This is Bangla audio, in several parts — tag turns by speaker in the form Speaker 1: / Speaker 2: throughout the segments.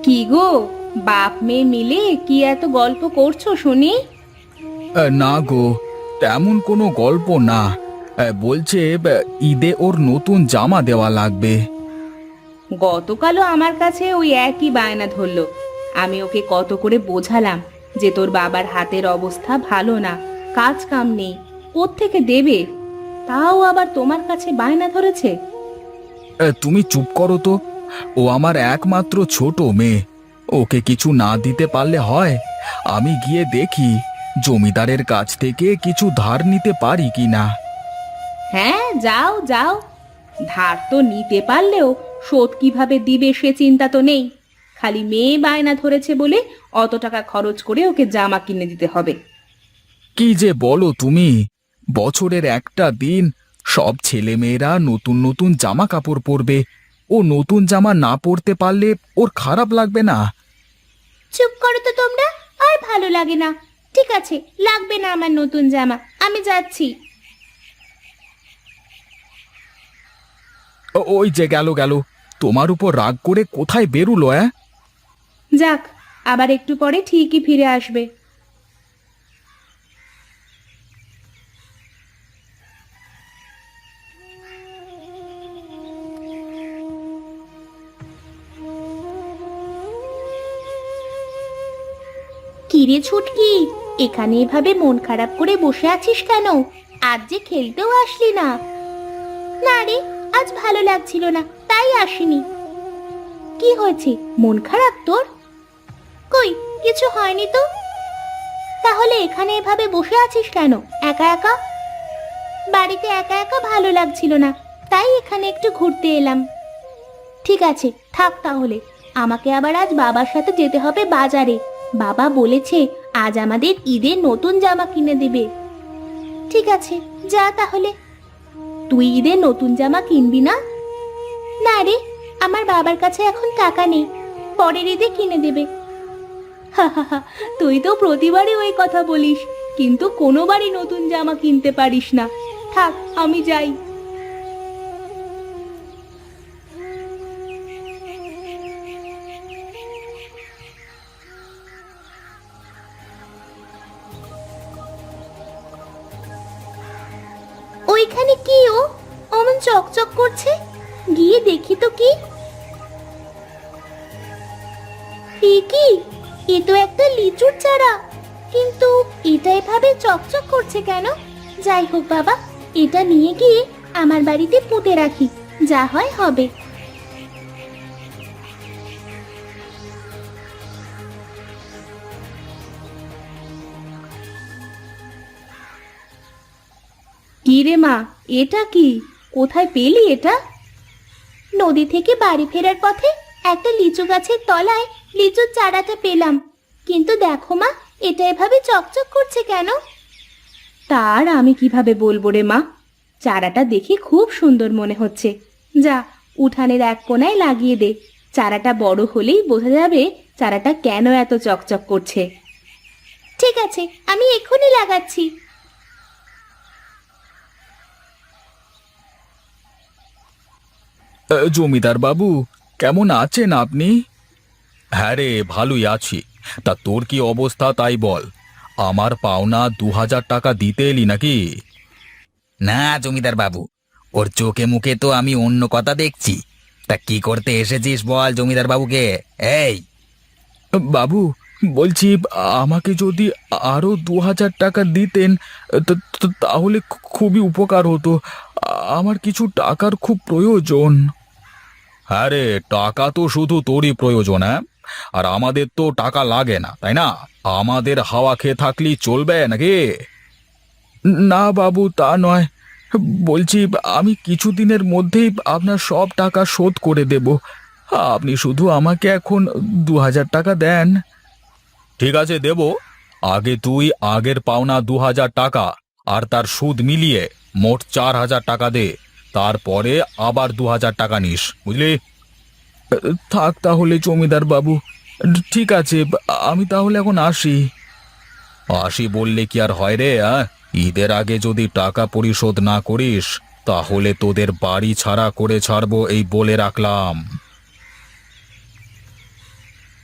Speaker 1: কি গো, বাপ মেয়ে মিলে কি এত গল্প করছো শুনি?
Speaker 2: না গো, তেমন কোনো গল্প না। বলছে ঈদে ওর নতুন জামা দেওয়া লাগবে।
Speaker 1: গতকালও আমার কাছে ওই একই বায়না ধরলো। আমি ওকে কত করে বোঝালাম যে তোর বাবার হাতের অবস্থা ভালো না, কাজ কাম নেই, কোত্থেকে দেবে? তাও আবার তোমার কাছে বায়না ধরেছে।
Speaker 2: তুমি চুপ করো তো। ও আমার একমাত্র ছোট মেয়ে। ওকে কিছু না দিতে পারলে হয়? আমি গিয়ে দেখি জমিদারের কাছ থেকে কিছু ধার নিতে পারি কিনা।
Speaker 1: হ্যাঁ, যাও যাও। ধার তো নিতে পারলেও শোধ কিভাবে দিবে সে চিন্তা তো নেই। খালি মেয়ে বায়না ধরেছে বলে অত টাকা খরচ করে ওকে জামা কিনে দিতে হবে।
Speaker 2: কি যে বলো তুমি! বছরের একটা দিন সব ছেলেমেয়েরা নতুন নতুন জামা কাপড় পরবে। ও নতুন জামা না পরতে পারলে ওর খারাপ লাগবে না?
Speaker 1: চুপ করো তো তোমরা, আর ভালো লাগে না। ঠিক আছে, লাগবে না আমার নতুন জামা, আমি যাচ্ছি।
Speaker 2: ওই যে গেল গেল, তোমার উপর রাগ করে কোথায় বেরুলো?
Speaker 1: যাক, আবার একটু পরে ঠিকই ফিরে আসবে। কিরে ছুটকি, এখানে এভাবে মন খারাপ করে বসে আছিস কেন? আজ যে খেলতেও আসলি না। না রে, আজ ভালো লাগছিল না, তাই আসিনি। কি হয়েছে, মন খারাপ তোর? কই, কিছু হয়নি তো। তাহলে এখানে এভাবে বসে আছিস কেন একা একা? বাড়িতে একা একা ভালো লাগছিল না, তাই এখানে একটু ঘুরতে এলাম। ঠিক আছে, থাক তাহলে। আমাকে আবার আজ বাবার সাথে যেতে হবে বাজারে। বাবা বলেছে আজ আমাদের ঈদের নতুন জামা কিনে দেবে। ঠিক আছে, যা তাহলে। তুই ঈদের নতুন জামা কিনবি না? না রে, আমার বাবার কাছে এখন টাকা নেই, পরের ঈদে কিনে দেবে। হা হা হা, তুই তো প্রতিবারই ওই কথা বলিস, কিন্তু কোনোবারই নতুন জামা কিনতে পারিস না। থাক, আমি যাই। ওইখানে কি ও অমন চকচক করছে? গিয়ে দেখি তো কি। কি, এ তো একটা লিচুর চারা, কিন্তু এটা এভাবে চকচক করছে কেন? যাই হোক বাবা, এটা নিয়ে গিয়ে আমার বাড়িতে পুঁতে রাখি, যা হয় হবে। কি রে মা, এটা কি? কোথায় পেলি এটা? নদী থেকে বাড়ি ফেরার পথে একটা লিচু গাছের তলায় লিচুর চারাটা পেলাম। কিন্তু দেখো মা, এটা এভাবে চকচক করছে কেন? তার আমি কিভাবে বলবো রে মা, চারাটা দেখে খুব সুন্দর মনে হচ্ছে। যা, উঠানের এক কোণায় লাগিয়ে দে। চারাটা বড় হলেই বোঝা যাবে চারাটা কেন এত চকচক করছে। ঠিক আছে, আমি এক্ষুনি লাগাচ্ছি।
Speaker 2: জমিদার বাবু, কেমন আছেন আপনি? হ্যাঁ রে, ভালোই আছি। তা তোর কি অবস্থা তাই বল। আমার পাওনা 2000 টাকা দিতে এলি নাকি?
Speaker 3: না জমিদার বাবু, ওর চোখে মুখে তো আমি অন্য কথা দেখছি। তা কি করতে এসেছিস বল জমিদার বাবুকে। এই,
Speaker 2: বাবু, বলছি আমাকে যদি আরো 2000 টাকা দিতেন তাহলে খুবই উপকার হতো। আমার কিছু টাকার খুব প্রয়োজন। হ্যাঁ রে, টাকা তো শুধু তোরই প্রয়োজন, হ্যাঁ? আর আমাদের তো টাকা লাগে না, তাই না? আমাদের হাওয়া খেয়ে থাকলেই চলবে নাকি? না বাবু, তা নয়। বলছি আমি কিছুদিনের মধ্যেই আপনার সব টাকা শোধ করে দেব। আপনি শুধু আমাকে এখন 2000 টাকা দেন। ঠিক আছে, দেব। আগে তুই আগের পাওনা 2000 টাকা আর তার সুদ মিলিয়ে মোট 4000 টাকা দে। তারপরে আবার 2000 টাকা নিস, বুঝলি? থাক তাহলে জমিদার বাবু। ঠিক আছে, আমি তাহলে এখন আসি। আসি বললে কি আর হয় রে? ঈদের আগে যদি টাকা পরিশোধ না করিস তাহলে তোদের বাড়ি ছাড়া করে ছাড়বো, এই বলে রাখলাম।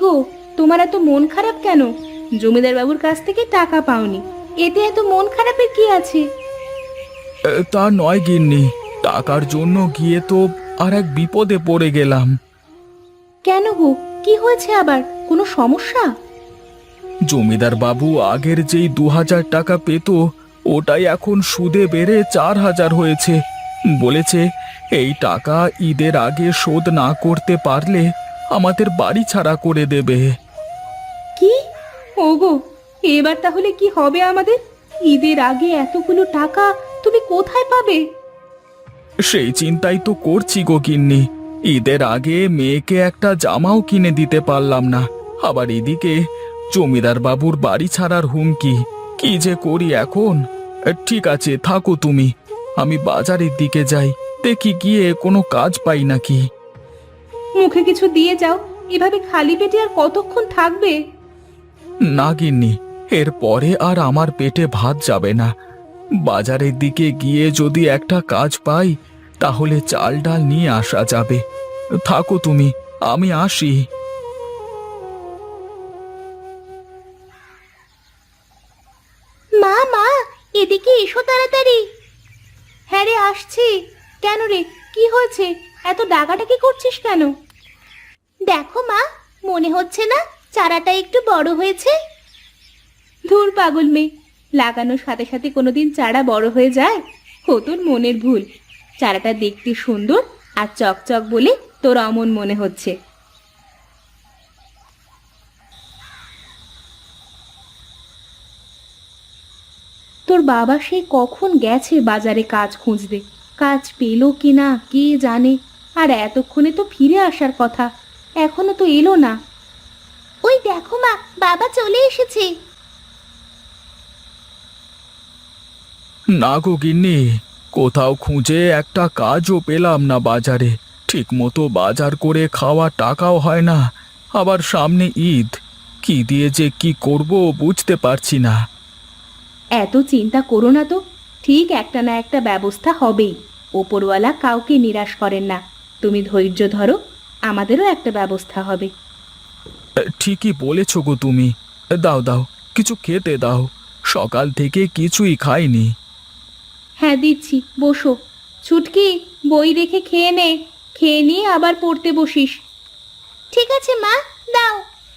Speaker 1: গো, তোমার এত মন খারাপ কেন? জমিদার বাবুর কাছ থেকে টাকা পাওনি, এতে এত মন খারাপের কি আছে?
Speaker 2: তা নয় গিন্নি, টাকার জন্য গিয়ে তো আর এক বিপদে পড়ে গেলাম।
Speaker 1: কেন গো, কি হয়েছে আবার? কোনো সমস্যা?
Speaker 2: জমিদার বাবু আগের যেই 2000 টাকা পেত, ওটাই এখন সুদে বেড়ে 4000 হয়েছে। বলেছে এই টাকা ঈদের আগে শোধ না করতে পারলে আমাদের বাড়ি ছাড়া করে দেবে।
Speaker 1: কি? ওগো, এবার তাহলে কি হবে আমাদের? ঈদের আগে এতগুলো টাকা তুমি কোথায় পাবে?
Speaker 2: সেই চিন্তাই তো করছি গো গিন্নি। ঈদের আগে মেয়েকে একটা জামাও কিনে দিতে পারলাম না, আবার এদিকে জমিদার বাবুর বাড়ি ছাড়ার হুমকি। কি যে করি এখন। ঠিক আছে, থাকো তুমি, আমি বাজারের দিকে যাই, দেখি গিয়ে কোনো কাজ পাই নাকি।
Speaker 1: মুখে কিছু দিয়ে যাও, এভাবে খালি পেটে আর কতক্ষণ থাকবে?
Speaker 2: না গিন্নি, এরপরে আর আমার পেটে ভাত যাবে না। বাজারের দিকে গিয়ে যদি একটা কাজ পাই তাহলে চাল ডাল নিয়ে আসা যাবে। থাকো তুমি, আমি আসি।
Speaker 1: মা মা, এদিকে এসো তাড়াতাড়ি। হ্যাঁ রে, আসছি। কেন রে, কি হয়েছে? এত ডাকাডাকি করছিস কেন? দেখো মা, মনে হচ্ছে না চারাটা একটু বড় হয়েছে? ধুর পাগল মেয়ে, লাগানোর সাথে সাথে কোনোদিন চারা বড় হয়ে যায়? ও তোর মনের ভুল। চারাটা দেখতে সুন্দর আর চকচক বলে তোর অমন মনে হচ্ছে। তোর বাবা সে কখন গেছে বাজারে কাজ খুঁজতে, কাজ পেলো কিনা কে জানে। আর এতক্ষণে তো ফিরে আসার কথা, এখনো তো এলো না। ওই দেখো মা, বাবা চলে এসেছে।
Speaker 2: না গো গিন্নি, কোথাও খুঁজে একটা কাজও পেলাম না বাজারে। ঠিক মতো বাজার করে খাওয়া টাকাও হয় না, আবার সামনে ঈদ। কি দিয়ে যে কি করব বুঝতে পারছি না।
Speaker 1: এত চিন্তা করো না তো, ঠিক একটা না একটা ব্যবস্থা হবেই। ওপরওয়ালা কাউকে নিরাশ করেন না। তুমি ধৈর্য ধরো, আমাদেরও একটা ব্যবস্থা হবে।
Speaker 2: ঠিকই বলেছ গো তুমি। দাও দাও, কিছু খেতে দাও, সকাল থেকে কিছুই খাইনি।
Speaker 1: হ্যাঁ দিচ্ছি, বসো। ছুটকি, বই রেখে খেয়ে নে, খেয়ে নিয়ে আবার পড়তে বসিস। ঠিক আছে মা, দাও।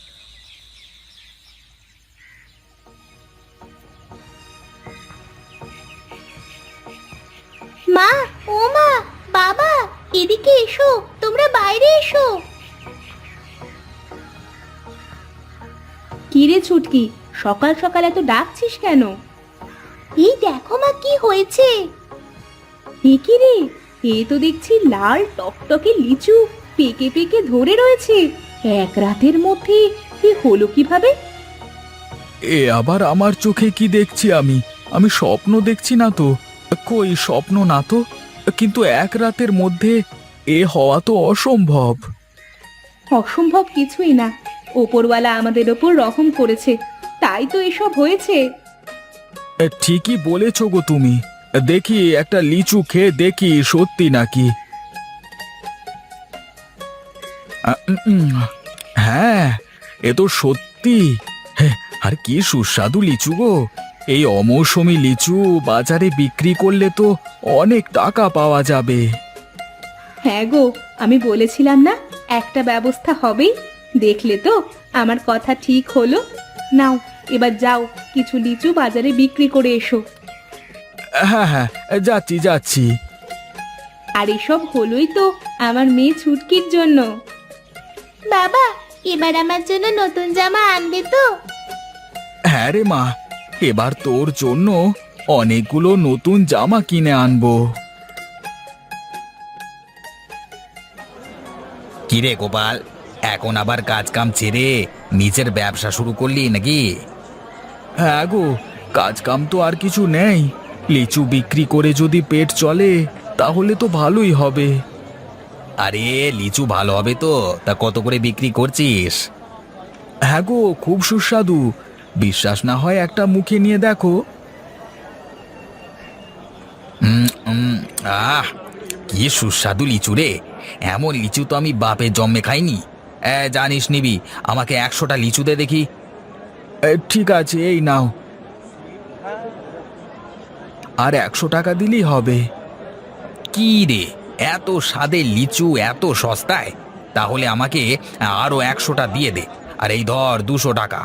Speaker 1: মা, ও মা, বাবা, এদিকে এসো, তোমরা বাইরে এসো। কিরে ছুটকি, সকাল সকাল এত ডাকছিস কেন? এই দেখো মা, কি হয়েছে। এ কি রে, এ তো দেখছি লাল টকটকে লিচু পেকে পেকে ধরে রয়েছে। এক রাতের মধ্যে এ হলো কিভাবে?
Speaker 2: এ আবার আমার চোখে কি দেখছি আমি? আমি স্বপ্ন দেখছি না তো? কই, স্বপ্ন না তো, কিন্তু এক রাতের মধ্যে এ হওয়া তো অসম্ভব।
Speaker 1: অসম্ভব কিছুই না, ওপরওয়ালা আমাদের ওপর রহম করেছে, তাই তো এসব হয়েছে।
Speaker 2: ঠিকই বলেছ গো তুমি। দেখি একটা লিচু খেয়ে দেখি সত্যি নাকি। হ্যাঁ, এ তো সত্যি। হ্যাঁ, আর কি সুস্বাদু লিচু গো। এই অমৌসুমী লিচু বাজারে বিক্রি করলে তো অনেক টাকা পাওয়া যাবে।
Speaker 1: হ্যাঁ গো, আমি বলেছিলাম না একটা ব্যবস্থা হবেই। দেখলে তো, আমার কথা ঠিক হলো। নাও, এবার যাও, কিছু লিচু বাজারে বিক্রি করে এসো।
Speaker 2: হ্যাঁ হ্যাঁ, যাচ্ছি যাচ্ছি।
Speaker 1: আর এসব হলোই তো আমার মেয়ে ছুটকির জন্য। বাবা, এবার আমার জন্য নতুন জামা আনবে তো?
Speaker 2: হ্যাঁ রে মা, এবার তোর জন্য অনেকগুলো নতুন জামা কিনে আনবো।
Speaker 3: কিরে গোপাল, এখন আবার কাজ কাম ছেড়ে নিজের ব্যবসা শুরু করলি নাকি?
Speaker 2: হ্যাঁ গো, কাজ কাম তো আর কিছু নেই। লিচু বিক্রি করে যদি পেট চলে তাহলে তো ভালোই হবে।
Speaker 3: আরে লিচু ভালো হবে তো? তা কত করে বিক্রি করছিস?
Speaker 2: হ্যাঁ গো, খুব সুস্বাদু। বিশ্বাস না হয় একটা মুখে নিয়ে দেখো।
Speaker 3: আহ, কি সুস্বাদু লিচু রে। এমন লিচু তো আমি বাপের জন্মে খাইনি। জানিস নিবি, আমাকে 100টা লিচু দে দেখি।
Speaker 2: ঠিক আছে, এই নাও। আর 100 টাকা দিলেই হবে।
Speaker 3: কি রে, এত স্বাদের লিচু এত সস্তায়? তাহলে আমাকে আরো 100টা দিয়ে দে। আর এই ধর 200 টাকা।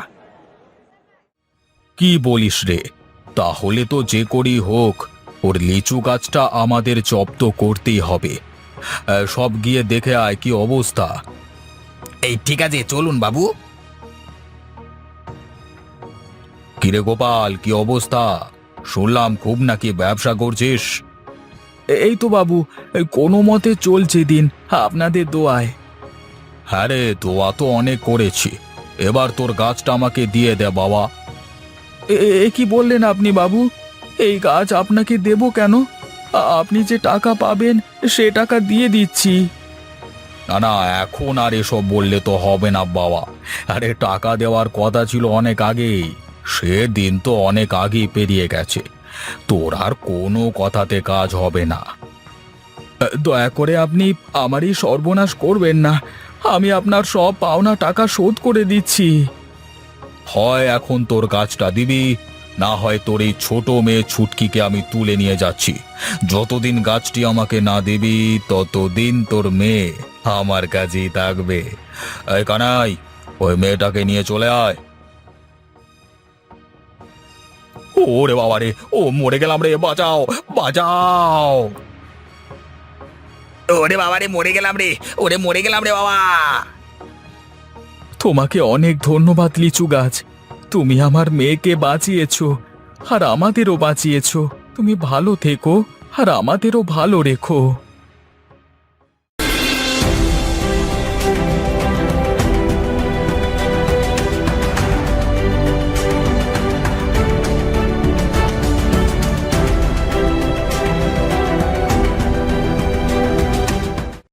Speaker 2: কি বলিস রে? তাহলে তো যে করেই হোক ওর লিচু গাছটা আমাদের জব্দ করতেই হবে। সব গিয়ে দেখে আয় কি অবস্থা।
Speaker 3: এই ঠিক আছে, চলুন বাবু।
Speaker 2: কিরে গোপাল, কি অবস্থা? শুনলাম খুব নাকি ব্যবসা করছিস। এই তো বাবু, কোনো মতে চলছে দিন, আপনাদের দোয়ায়। হ্যাঁ রে, দোয়া তো অনেক করেছি। এবার তোর গাছটা আমাকে দিয়ে দে বাবা। এ কি বললেন আপনি বাবু? এই গাছ আপনাকে দেব কেন? আপনি যে টাকা পাবেন সে টাকা দিয়ে দিচ্ছি। না না, এখন আর এসব বললে তো হবে না বাবা। আরে টাকা দেওয়ার কথা ছিল অনেক আগেই। সে দিন তো অনেক আগেই পেরিয়ে গেছে। তোর আর কোনো কথাতে কাজ হবে না। দয়া করে আপনি আমারই সর্বনাশ করবেন না। আমি আপনার সব পাওনা টাকা শোধ করে দিচ্ছি। হয় এখন তোর গাছটা দিবি, না হয় তোর এই ছোট মেয়ে ছুটকিকে আমি তুলে নিয়ে যাচ্ছি। যতদিন গাছটি আমাকে না দিবি ততদিন তোর মেয়ে আমার কাছেই থাকবে। এই কানাই, ওই মেয়েটাকে নিয়ে চলে আয়। ওরে বাবা রে, ও মরে গেলাম রে, বাঁচাও বাঁচাও।
Speaker 3: ওরে বাবা রে, মরে গেলাম রে, ওরে মরে গেলাম রে বাবা।
Speaker 2: তোমাকে অনেক ধন্যবাদ লিচু গাছ। তুমি আমার মেয়েকে বাঁচিয়েছো, আর আমাদেরও বাঁচিয়েছো। তুমি ভালো থেকো আর আমাদেরও ভালো রেখো।